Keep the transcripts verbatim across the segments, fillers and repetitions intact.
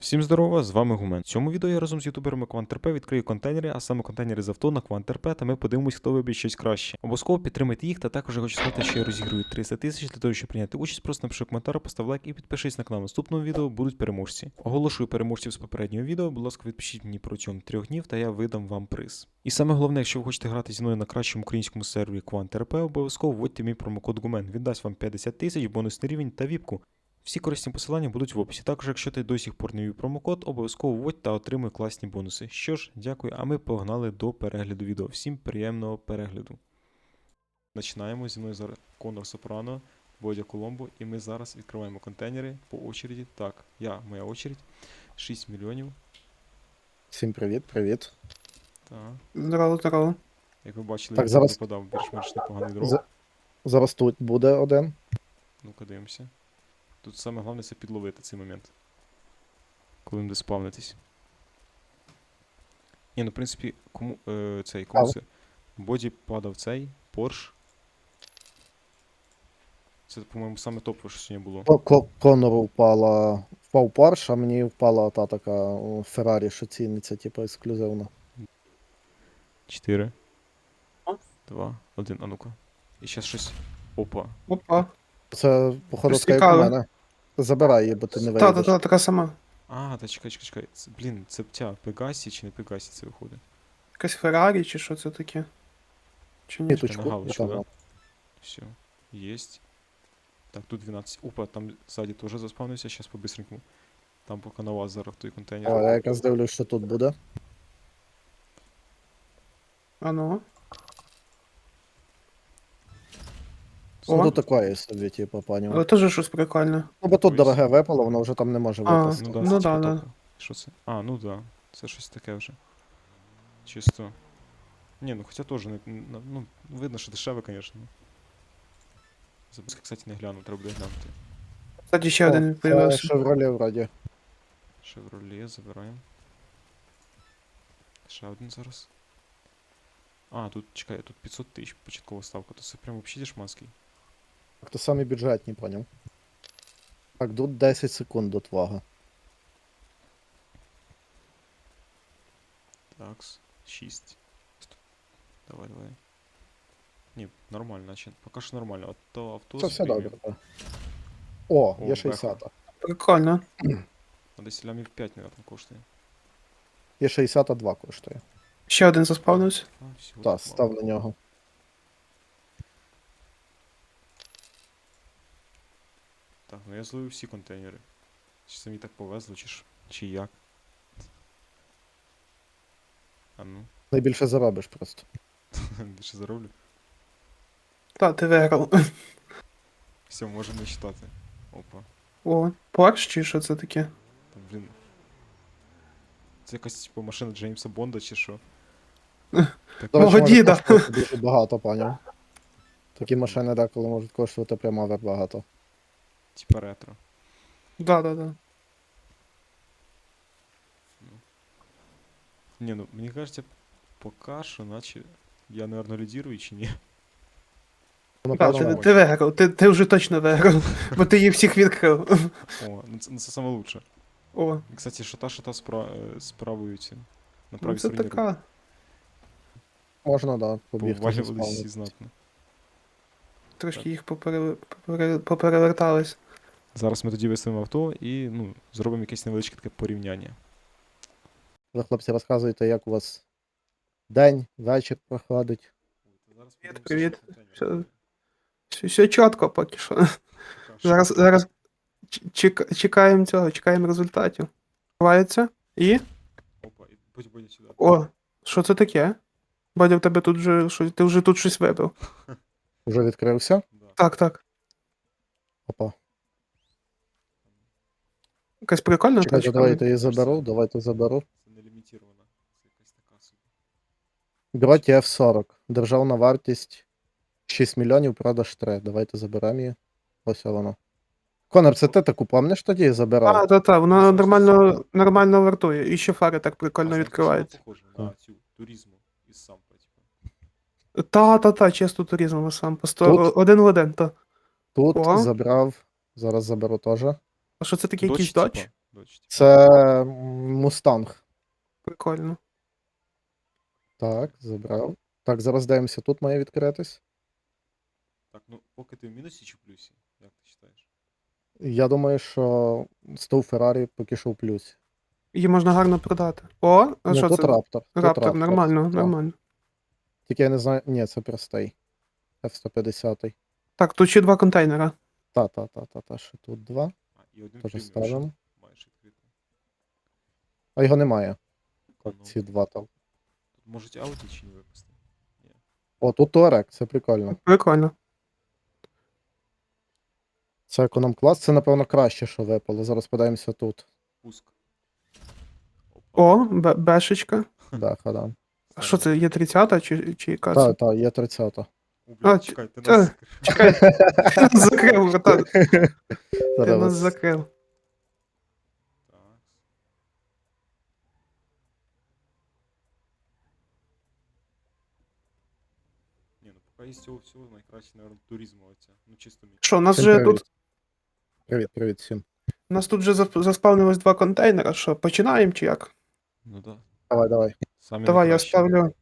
Всім здорово, з вами Гумен. В цьому відео я разом з ютуберами QuantRP відкрию контейнери, а саме контейнери з авто на QuantRP, та ми подивимось, хто виб'є щось краще. Обов'язково підтримайте їх, та також я хочу сказати, що я розіграю триста тисяч. Для того, щоб прийняти участь, просто напиши коментар, постав лайк і підпишись на канал. В наступному відео будуть переможці. Оголошую переможців з попереднього відео, будь ласка, відпишіть мені протягом трьох днів, та я видам вам приз. І саме головне, якщо ви хочете грати зі мною на кращому українському сервері QuantRP, обов'язково вводьте мій промокод Гумен. Він дасть вам п'ятдесят тисяч, бонусний рівень та віпку. Всі корисні посилання будуть в описі. Також, якщо ти до сих пор не ввів промокод, обов'язково вводь та отримуй класні бонуси. Що ж, дякую, а ми погнали до перегляду відео. Всім приємного перегляду. Починаємо. Зі мною зараз Конор Сопрано, Бодя Коломбо, і ми зараз відкриваємо контейнери по очереді. Так, я, моя очередь. шість мільйонів. Всім привіт, привіт. Так. Здорово, здорово. Як ви бачили, Так, я зараз- подав більш-менш непоганий дров. За- Зараз тут буде один. Ну-ка дивимося. Тут саме головне це підловити цей момент. Коли буде спавнитись. Ні, ну в принципі, кому е, цей, кому Ау. це? Боді падав цей, Порш. Це, по-моєму, саме топове, що сьогодні було. Ко- Ко- Конору впала. Впав Порш, а мені впала та така о, Феррарі, що ціниться, типу, ексклюзивно. Чотири. А? Два. Один. А ну-ка. І зараз щось. Опа. Опа. Це, походу, Щось така як у цікаве. мене. Забирай її, бо ти не Та, та, вийдеш. та, така сама. А, та чекай, чекай, чекай. Це, блін, це ця Пегасі чи не Пегасі це виходить? Якась Феррарі чи що це таке? Чи ні? Ніточку, на галочку, отам да? от. Все. Єсть. Так, тут дванадцять. Опа, там ззаді теж заспавнився, зараз по-бистренькому. Там поки на вас зараз той контейнер. О, я якраз дивлюсь, що тут буде. А ну. Ну, О. тут такої собі, типу, пані. Але теж щось прикольне. Ну, бо тут Ось. дороге випало, воно вже там не може А, випасти. Ну да, Ну це да, типа да. топове. Що це? А, ну да. Це щось таке вже. Чисто. Ні, ну хоча теж не. на- Ну, видно, що дешеве, звісно. Записка, кстати, не глянув, треба буде глянути. Кстати, ще один Це появився. Шевроле вроді. Chevrolet, забираємо. Ще один зараз. А, тут, чекай, тут п'ятсот тисяч початкова ставка, то це прям взагалі дешманський. Так то самі бюджетні, поняв. Так, тут десять секунд до твого. Такс, шість. Давай, давай. Ні, нормально, значить. Поки що нормально. От то авто Це з все преміум. добре. так. О, О, є шістдесят. Прикольно. А десь лямів п'ять, мабуть, коштує. Є шістдесят два коштує. Ще один заспавнився. А, всього Так, так став мало. на нього. Так, ну я зловив всі контейнери. Чи це мені так повезло, чи ж. Чи як? А ну, Найбільше заробиш просто. більше зароблю. Та, ти виграв. Все, можемо читати. Опа. О, Порш чи що це таке? Там, блін. Це якась типу машина Джеймса Бонда чи що? До Мого може діда. коштувати дуже багато, поняв. Такі машини деколи можуть коштувати прямо овер багато. Типа ретро. Да, да, да. Не, ну мені кажеться, поки що, наче я, наверное, лідірую чи ні. Ну, Та, напевно, ти, мабуть. ти виграв, ти, ти вже точно виграв, бо ти їх всіх відкрив. О, ну це, ну це саме лучше. О, І, кстати, шата шата спра... е, з правою ці. На ну правій це стороні така. Можна, да, побігти. повалювались всі заспавнити. знатно. Трошки їх попере... попере... поперевертались. Зараз ми тоді виставимо авто і ну, зробимо якесь невеличке таке порівняння. Ви, хлопці, розказуйте, як у вас день, вечір проходить. Привіт, привіт. Все, все, все чітко поки що. Зараз, зараз ч- чек- чекаємо цього, чекаємо результатів. Відкривається. І. Опа, і будь будь сюди. О, що це таке? Бодя, в тебе тут вже щось, ти вже тут щось вибив. Уже відкрився? Да. Так, так. Опа. Якась прикольна Чекайте, тачка. давайте її заберу, давайте заберу. Це не лімітірована. Це якась така собі. Гроті еф сорок. Державна вартість шість мільйонів, продаж три. Давайте заберемо її. Ось воно. Конор, це ти таку пам'ятаєш тоді А, забирав? та, та, вона Ну, нормально, нормально вартує. І ще фари так А прикольно знаєте, відкриваються. що вона похожа на цю туризму із сампа, типу. Та, та, та, чисто туризм сам. По сто... Тут? Один в один, то. Тут О. забрав. Зараз заберу теж. А що це таке, Дочь, якийсь доч? типа. Дочті. Це м, Мустанг. Прикольно. Так, забрав. Так, зараз дивимося, тут має відкритись. Так, ну поки ти в мінусі чи в плюсі? Як ти вважаєш? Я думаю, що стов Феррарі поки що в плюсі. Її можна гарно продати. О, а Ну, що тут це? Раптор. Тут Раптор, нормально, так. нормально. Тільки я не знаю. Ні, це простий. еф сто п'ятдесят. Так, тут ще два контейнера. Та, та, та, та, та, ще тут два. А, і один Теж преміум, ставимо. що маєш відкрити. А його немає. Так, Ну. ці два там. Тут можуть ауді чи не випустити? Ні. О, тут Туарек, це прикольно. Прикольно. Це економ-клас, це, напевно, краще, що випало. Зараз подаємося тут. Пуск. Опа. О, бе- бешечка. Да, хадам. А що це, є тридцята чи, чи яка Так, це? так, є тридцята. О, блядь, А, чекай, ти та- нас закрив. Чекай, ти нас закрив, братан. Ти Зараз нас вас- закрив. Так. Ні, ну поки із цього всього найкраще, наверное, туризму оця. Ну чисто мій. Що, у нас Всім же привіт. тут, Привіт, привіт всім. у нас тут вже зап- заспавнилось два контейнера. Що, починаємо чи як? Ну да. Давай, давай. Самі Давай, я найкращі. ставлю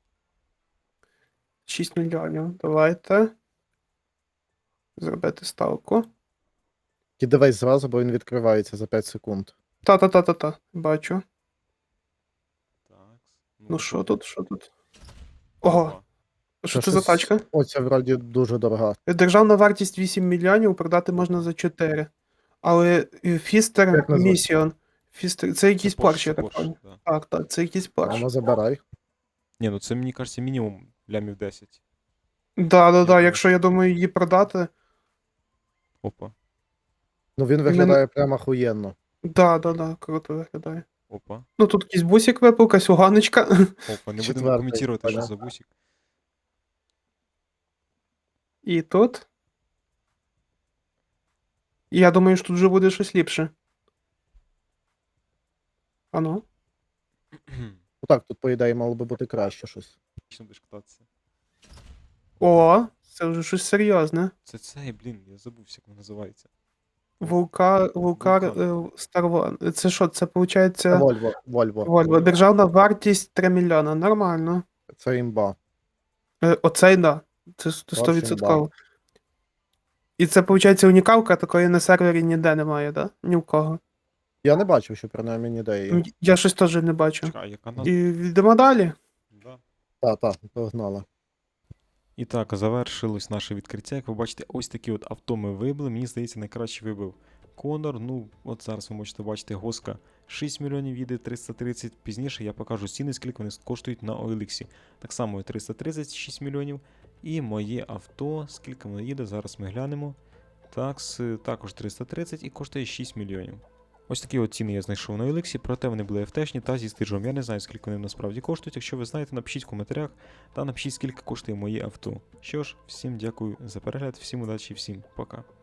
шість мільйонів. Давайте. Зробити ставку. І дивись зразу, бо він відкривається за п'ять секунд. Та-та-та-та-та. Бачу. Так. Ну що тут, що тут? Ого, що це за щось- тачка? О, це вроді дуже дорога. Державна вартість вісім мільйонів, продати можна за чотири. Але Фістер Як назвати? Місіон. Фістер, це якийсь Це Порш, я Porsche, так Porsche, пам'ятаю. да. Так, так, це якийсь А Порш. ну забирай. Ні, ну це мені кажеться мінімум лямів десять. Да, да, да, думаю, якщо я думаю її продати. Опа. Ну він виглядає прямо охуєнно. Да, да, да, круто виглядає. Опа. Ну тут якийсь бусик випав, якась уганочка. Опа, не будемо Четвертий, коментувати, що понял. за бусик. І тут. І я думаю, що тут вже буде щось ліпше. А ну. Ну так, тут, по ідеї, мало би бути краще щось. Точно будеш кататися. О, це вже щось серйозне. Це цей, блін, я забувся, як воно називається. Вулкар, Вулкар, Вулкан. Старвон. Це що, це виходить Це Вольво, Вольво. Вольво. Державна вартість три мільйона. Нормально. Це імба. Е, Оцей, да. Це сто відсотків. І це, виходить, унікалка, такої на сервері ніде немає, да? Ні в кого. Я не бачив, що принаймні ніде є. М, Я щось теж не бачу. Чекай, а яка назва? І йдемо далі. Да. Та, та, погнали. І так, завершилось наше відкриття. Як ви бачите, ось такі от авто ми вибили. Мені здається, найкраще вибив Конор. Ну, от зараз ви можете бачити Госка шість мільйонів, їде триста тридцять. Пізніше я покажу ціни, скільки вони коштують на о ел ікс. Так само триста тридцять шість мільйонів. І моє авто, скільки воно їде, зараз ми глянемо. Такс також триста тридцять і коштує шість мільйонів. Ось такі от ціни я знайшов на о ел ікс, проте вони були еф те-шні та зі стиджом. Я не знаю, скільки вони насправді коштують. Якщо ви знаєте, напишіть в коментарях та напишіть, скільки коштує моє авто. Що ж, всім дякую за перегляд, всім удачі, всім пока.